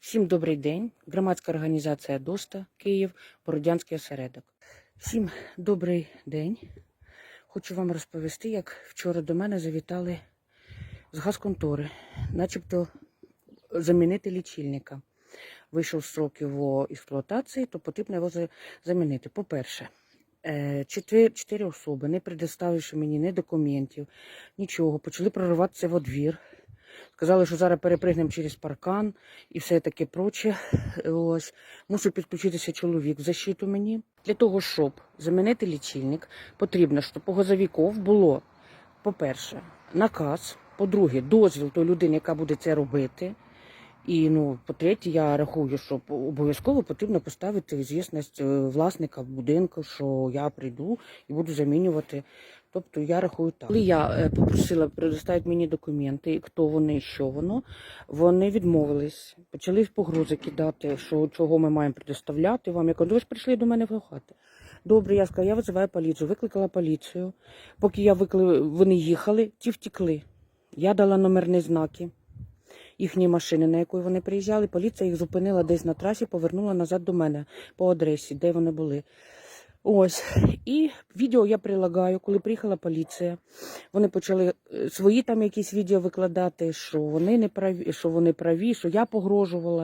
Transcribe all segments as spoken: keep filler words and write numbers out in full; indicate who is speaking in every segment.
Speaker 1: Всім добрий день. Громадська організація ДОСТА, Київ, Бородянський осередок. Всім добрий день. Хочу вам розповісти, як вчора до мене завітали з газконтори, начебто замінити лічильника. Вийшов строк його експлуатації, то потрібно його замінити. По-перше, чотири особи, не предоставивши мені ні документів, нічого, почали прориватися во двір. Сказали, що зараз перепригнемо через паркан і все таке проче. Ось. Мусив підключитися чоловік в защиту мені. Для того, щоб замінити лічильник, потрібно, щоб у газовиків було, по-перше, наказ, по-друге, дозвіл тої людини, яка буде це робити. І, ну, по-третє, я рахую, що обов'язково потрібно поставити звісність власника будинку, що я прийду і буду замінювати. Тобто я рахую так. Коли я попросила предоставити мені документи, хто вони, що воно, вони відмовились. Почали погрози кидати, що чого ми маємо предоставляти вам. Я кажу, ви ж прийшли до мене в хату. Добре, я сказала, я визиваю поліцію. Викликала поліцію. Поки я викли... вони їхали, ті втекли. Я дала номерні знаки їхньої машини, на якої вони приїжджали. Поліція їх зупинила десь на трасі, повернула назад до мене по адресі, де вони були. Ось. І відео я прилагаю, коли приїхала поліція. Вони почали свої там якісь відео викладати, що вони не праві, що вони праві, що я погрожувала.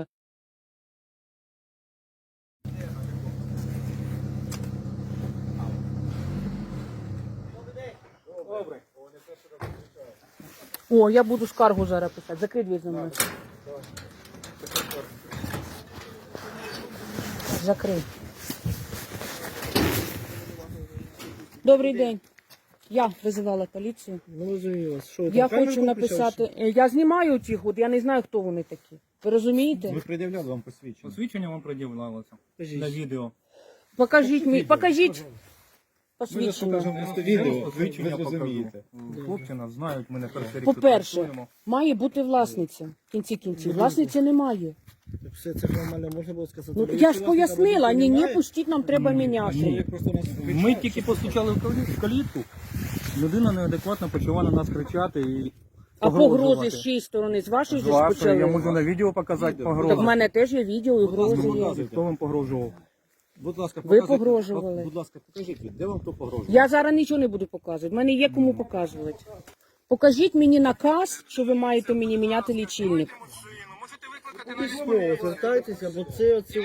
Speaker 2: Добре.
Speaker 1: О, я буду скаргу зараз писати. Закрий двері за мною. Закрий. Добрий день. Я визивала поліцію.
Speaker 2: Ну, розумію. Що,
Speaker 1: Я хочу написати. Я знімаю тих, от я не знаю, хто вони такі. Ви розумієте?
Speaker 2: Ви пред'являли вам посвідчення.
Speaker 3: Посвідчення вам пред'являлося на відео.
Speaker 1: Покажіть мені, покажіть посвідчення.
Speaker 2: Просто відео,
Speaker 3: Посвідчення
Speaker 2: ви зрозумієте.
Speaker 3: покажу. Хлопці нас знають, ми не перший рік
Speaker 1: По-перше,
Speaker 3: працюємо.
Speaker 1: має бути власниця. В кінці кінців. Власниці немає.
Speaker 2: Все це нормально можна було сказати.
Speaker 1: Ну,
Speaker 2: Ви
Speaker 1: я ж
Speaker 2: власника
Speaker 1: пояснила, ні,
Speaker 2: будинку
Speaker 1: ні,
Speaker 2: немає?
Speaker 1: пустіть, нам треба міняти.
Speaker 2: Ні, просто нас
Speaker 3: Ми
Speaker 2: кричать.
Speaker 3: тільки постучали в калі- в калітку, людина неадекватно почала на нас кричати і
Speaker 1: А
Speaker 3: погрожувати.
Speaker 1: погрози з чиєї сторони? З вашої
Speaker 3: З
Speaker 1: ж
Speaker 3: вашої, я можу
Speaker 1: почали?
Speaker 3: на відео показати
Speaker 2: Відео.
Speaker 3: погрози.
Speaker 1: Так в мене теж є відео і грози є.
Speaker 2: показуйте.
Speaker 3: Хто вам погрожував?
Speaker 2: Будь ласка,
Speaker 1: Ви
Speaker 2: показуйте.
Speaker 1: погрожували.
Speaker 2: Будь ласка, покажіть, де вам хто погрожує?
Speaker 1: Я зараз нічого не буду показувати. В мене є кому показувати. Покажіть мені наказ, що ви маєте мені міняти лічильник.
Speaker 4: Звертайтеся, бо це оці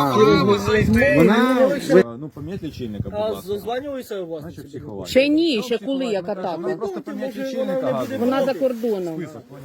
Speaker 2: Вона... Ну, поміть лічильника, будь
Speaker 4: А
Speaker 2: ласка.
Speaker 4: зазванюється у вас?
Speaker 2: Значить, психувати.
Speaker 1: Ще ні, ще коли, яка
Speaker 2: Ну,
Speaker 1: так.
Speaker 2: просто поміть лічильника газу.
Speaker 1: Вона за кордоном.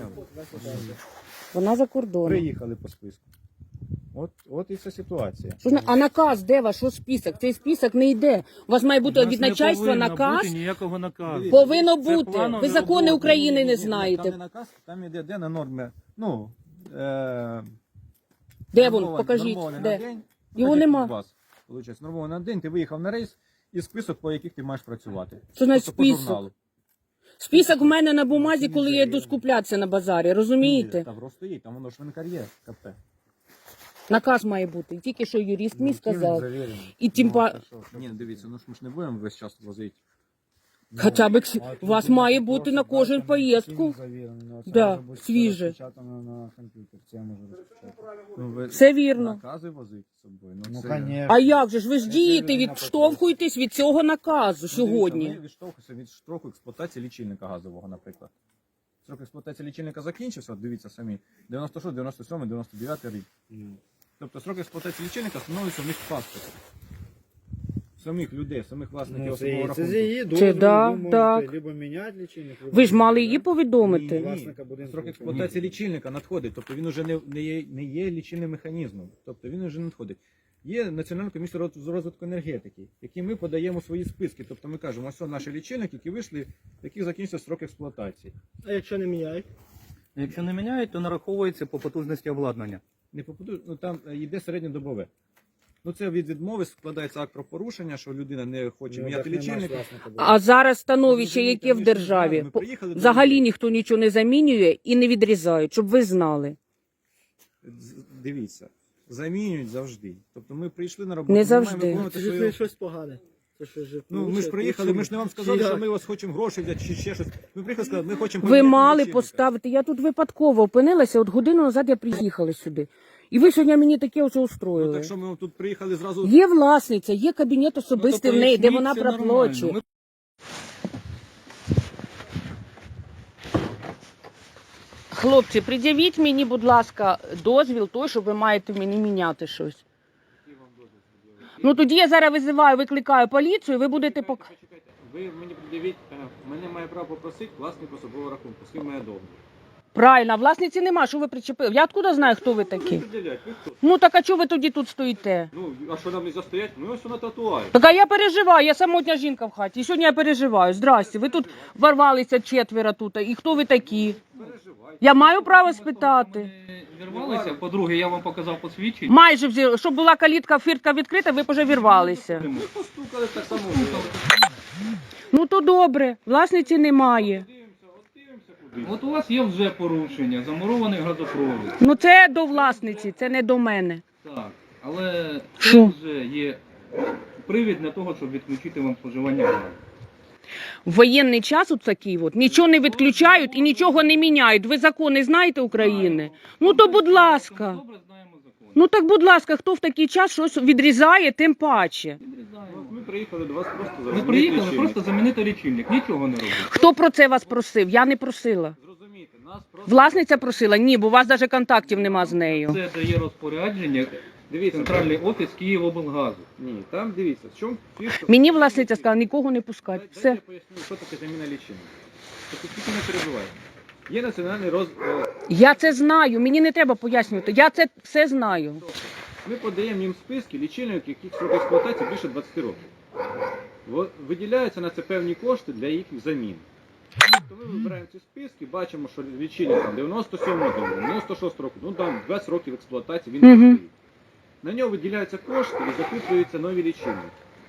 Speaker 1: Вона за кордоном.
Speaker 2: Приїхали по списку. От, от і вся ситуація.
Speaker 1: Що ж на- А наказ де ваш? Що список? Цей список не йде. У вас має бути
Speaker 3: У нас
Speaker 1: від
Speaker 3: не
Speaker 1: начальства
Speaker 3: повинно
Speaker 1: наказ.
Speaker 3: бути ніякого наказу.
Speaker 1: Повинно
Speaker 3: Це
Speaker 1: бути.
Speaker 3: планові
Speaker 1: Ви закони
Speaker 3: роботи.
Speaker 1: України не
Speaker 2: Там
Speaker 1: знаєте.
Speaker 2: не наказ, там іде де на норми. Ну, е...
Speaker 1: Де він?
Speaker 2: нормований-
Speaker 1: Покажіть.
Speaker 2: нормований
Speaker 1: Де?
Speaker 2: на день.
Speaker 1: Його
Speaker 2: Покажіть
Speaker 1: нема.
Speaker 2: від вас. Получається, нормований на день, ти виїхав на рейс і список, по яких ти маєш працювати.
Speaker 1: Що значить
Speaker 2: Тобто по
Speaker 1: список?
Speaker 2: журналу.
Speaker 1: Список в мене на бумазі, коли я йду скуплятися на базарі. Розумієте?
Speaker 2: Там просто є, там воно ж винкар є, КП.
Speaker 1: Наказ має бути. Тільки що юрист мені сказав.
Speaker 2: Завірений.
Speaker 1: І тим
Speaker 2: Ну,
Speaker 1: па...
Speaker 2: та що? Ні, дивіться, ну ж ми ж не будемо весь час возити.
Speaker 1: Хоча б кс- у вас має бути на кожен поїздку. Да, свіже.
Speaker 2: Ну, ви
Speaker 1: Все вірно.
Speaker 2: накази возити з собою.
Speaker 4: Ну,
Speaker 2: це-
Speaker 4: конечно.
Speaker 1: А як же ж ви ж дієте, відштовхуєтесь від цього наказу
Speaker 2: Ну,
Speaker 1: сьогодні?
Speaker 2: дивіться, ми відштовхуємося від строку експлуатації лічильника газового, наприклад. Строк експлуатації лічильника закінчився, от дивіться самі, дев'яносто шостий, дев'яносто сьомий, дев'яносто дев'ятий рік. Тобто строк експлуатації лічильника встановлюється в них в паспорті. Самих людей, самих власників
Speaker 4: Ну,
Speaker 2: особового
Speaker 4: це, це
Speaker 2: рахунку.
Speaker 4: з її
Speaker 1: Це
Speaker 4: дозволу,
Speaker 1: да,
Speaker 4: ви можете
Speaker 1: так.
Speaker 4: либо міняти лічильник. либо
Speaker 1: Ви ж мали
Speaker 4: міняти,
Speaker 1: її
Speaker 4: да?
Speaker 1: повідомити.
Speaker 4: Власника будинку.
Speaker 2: Строк експлуатації лічильника надходить, тобто він вже не, не, є, не є лічильним механізмом, тобто він вже не надходить. Є Національна комісія роз- з розвитку енергетики, які ми подаємо свої списки, тобто ми кажемо, ось це наші лічильники, які вийшли, в яких закінчився строк експлуатації.
Speaker 4: А якщо не міняють?
Speaker 3: Якщо не міняють, то нараховується по потужності обладнання.
Speaker 2: Не попаду, ну там е, йде середньодобове. Ну це від відмови складається акт про порушення, що людина не хоче
Speaker 4: Ну,
Speaker 2: міняти
Speaker 4: так нема ж
Speaker 2: лічильник.
Speaker 4: власника будинку.
Speaker 1: А зараз становище,
Speaker 2: Ну,
Speaker 1: яке в
Speaker 2: ми ж
Speaker 1: державі,
Speaker 2: знаємо, ми
Speaker 1: По-
Speaker 2: приїхали до
Speaker 1: взагалі
Speaker 2: людей.
Speaker 1: ніхто нічого не замінює і не відрізає, щоб ви знали.
Speaker 2: З- Дивіться, замінюють завжди. Тобто ми прийшли на роботу,
Speaker 1: Не
Speaker 2: ми
Speaker 1: завжди.
Speaker 2: маємо виконувати
Speaker 4: Це
Speaker 2: свою...
Speaker 4: щось погане. Це що ж,
Speaker 2: Ну, ми ж
Speaker 4: лучше-
Speaker 2: приїхали,
Speaker 4: лучше-
Speaker 2: ми ж не вам сказали,
Speaker 4: Чи
Speaker 2: що
Speaker 4: як?
Speaker 2: ми вас хочемо гроші взяти чи ще щось. Ми приїхали, сказали, ми хочемо
Speaker 1: Ви
Speaker 2: поміняти
Speaker 1: мали
Speaker 2: лічильника.
Speaker 1: поставити. Я тут випадково опинилася, от годину назад я приїхала сюди. І ви сьогодні мені таке оце
Speaker 2: Ну,
Speaker 1: устроїли.
Speaker 2: так що ми тут приїхали зразу.
Speaker 1: Є власниця, є кабінет
Speaker 3: Ну,
Speaker 1: особистий
Speaker 3: то
Speaker 1: в неї, де
Speaker 3: поясніть,
Speaker 1: вона
Speaker 3: це
Speaker 1: проплачує.
Speaker 3: нормально. Ми
Speaker 1: Хлопці, пред'явіть мені, будь ласка, дозвіл той, що ви маєте мені міняти щось. Ну тоді я зараз визиваю, викликаю поліцію, ви будете пок...
Speaker 2: Почекайте, ви мені пред'явіть, е, мене має право попросити власник особового рахунку, з ким має договір.
Speaker 1: Правильно, а власниці нема, що ви причепили? Я откуда знаю, хто ви такі?
Speaker 2: Пред'являють, ви хто?
Speaker 1: Ну так а чого ви тоді тут стоїте?
Speaker 2: Ну, а що нам не застоять? Ми ось на татуарі.
Speaker 1: Так а я переживаю, я самотня жінка в хаті. І сьогодні я переживаю. Здрасте, ви тут ворвалися четверо тут. І хто ви такі?
Speaker 2: Переживайте.
Speaker 1: Я маю право спитати.
Speaker 3: не вірвалися. По-друге, я вам показав посвідчення.
Speaker 1: Майже взяли, щоб була калітка, фіртка відкрита, ви б уже вірвалися.
Speaker 2: Ми постукали так само. ви.
Speaker 1: Ну то добре, власниці немає.
Speaker 2: Дивимося, от дивимося куди.
Speaker 3: От у вас є вже порушення, замурований газопровід.
Speaker 1: Ну це до власниці, це не до мене.
Speaker 3: Так, але це
Speaker 1: Що?
Speaker 3: вже є привід для того, щоб відключити вам споживання газу.
Speaker 1: В воєнний час от такий от, нічого не відключають і нічого не міняють. Ви закони знаєте України? Ну то будь ласка.
Speaker 3: Добре знаємо закон.
Speaker 1: Ну так будь ласка, хто в такий час щось відрізає, тим паче.
Speaker 3: Відрізаємо.
Speaker 2: От Ми приїхали до вас просто
Speaker 3: Ми
Speaker 2: замінити
Speaker 3: приїхали
Speaker 2: лічильник.
Speaker 3: просто замінити лічильник, нічого не робити.
Speaker 1: Хто про це вас просив? Я не просила.
Speaker 2: Зрозумійте, нас просто...
Speaker 1: Власниця просила? Ні, бо у вас навіть контактів нема з нею.
Speaker 3: Це дає розпорядження
Speaker 2: Дивіться,
Speaker 3: центральний офіс Київоблгазу.
Speaker 2: Ні, там дивіться, в чому фішка.
Speaker 1: Мені власниця сказала, нікого не пускати.
Speaker 2: Дайте
Speaker 1: Все.
Speaker 2: я поясню, що таке заміна лічильника. Тобто тільки не перебувайте. Є національний роз... е,
Speaker 1: Я це знаю, мені не треба пояснювати. Я це все знаю.
Speaker 2: Ми подаємо їм списки лічильників, яких срок експлуатації більше двадцять років. Во- Виділяються на це певні кошти для їх замін. Тобто ми вибираємо ці списки, бачимо, що лічильник там дев'яносто сьомого року, дев'яносто шостого року, ну там двадцять років експлуатації він
Speaker 1: Мгм.
Speaker 2: не стоїть. На нього виділяються кошти і закуплюються нові лічильники.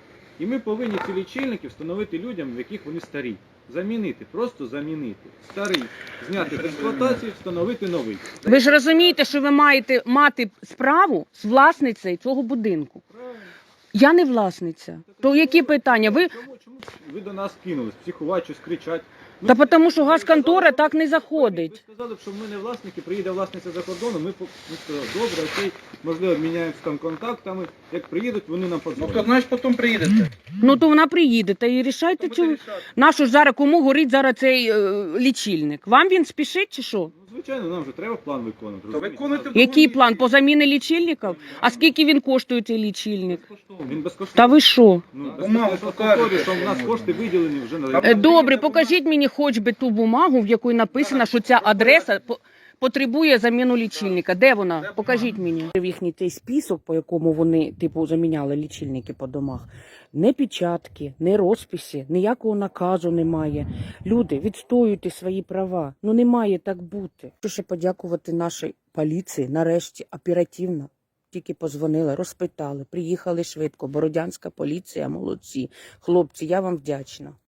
Speaker 2: І ми повинні ці лічильники встановити людям, в яких вони старі. Замінити, просто замінити. Старий, зняти з експлуатації, встановити новий.
Speaker 1: Ви ж розумієте, що ви маєте мати справу з власницею цього будинку.
Speaker 2: Правильно.
Speaker 1: Я не власниця. То які питання? Ви
Speaker 2: Чому, чому ви до нас кинулись? Психувати, щось кричать? Ну,
Speaker 1: Та
Speaker 2: ви-
Speaker 1: тому, що
Speaker 2: ви
Speaker 1: газконтора
Speaker 2: сказали,
Speaker 1: так не
Speaker 2: Ви
Speaker 1: заходить.
Speaker 2: сказали б, що ми не власники, приїде власниця за кордону, ми, по- ми сказали, добре, окей, можливо, обміняємося там контактами, як приїдуть, вони нам подзвонять.
Speaker 3: знаєш, потім приїдете.
Speaker 1: Ну то вона приїде та і рішайте цю. Нашу ж зараз кому горить зараз цей е, лічильник? Вам він спішить чи що?
Speaker 2: Ну, звичайно, нам вже треба план виконувати. розумієте?
Speaker 3: виконуйте
Speaker 1: Який план по заміні лічильників? А скільки він коштує цей лічильник?
Speaker 2: Він безкоштовний.
Speaker 1: Та ви що?
Speaker 2: Ну,
Speaker 3: Бумагу
Speaker 2: безкоштовно,
Speaker 3: покажете,
Speaker 2: що в нас
Speaker 3: що
Speaker 2: кошти виділені вже на
Speaker 1: Е, Добре, покажіть мені хоч би ту бумагу, в якій написано, що ця адреса по- потребує заміну лічильника. Де вона? Покажіть мені. Їхній цей список, по якому вони типу заміняли лічильники по домах. Не печатки, не розписи, ніякого наказу немає. Люди, відстоюйте свої права. Ну не має так бути. Хочу ще подякувати нашій поліції. Нарешті оперативно. Тільки позвонили, розпитали, приїхали швидко. Бородянська поліція, молодці. Хлопці, я вам вдячна.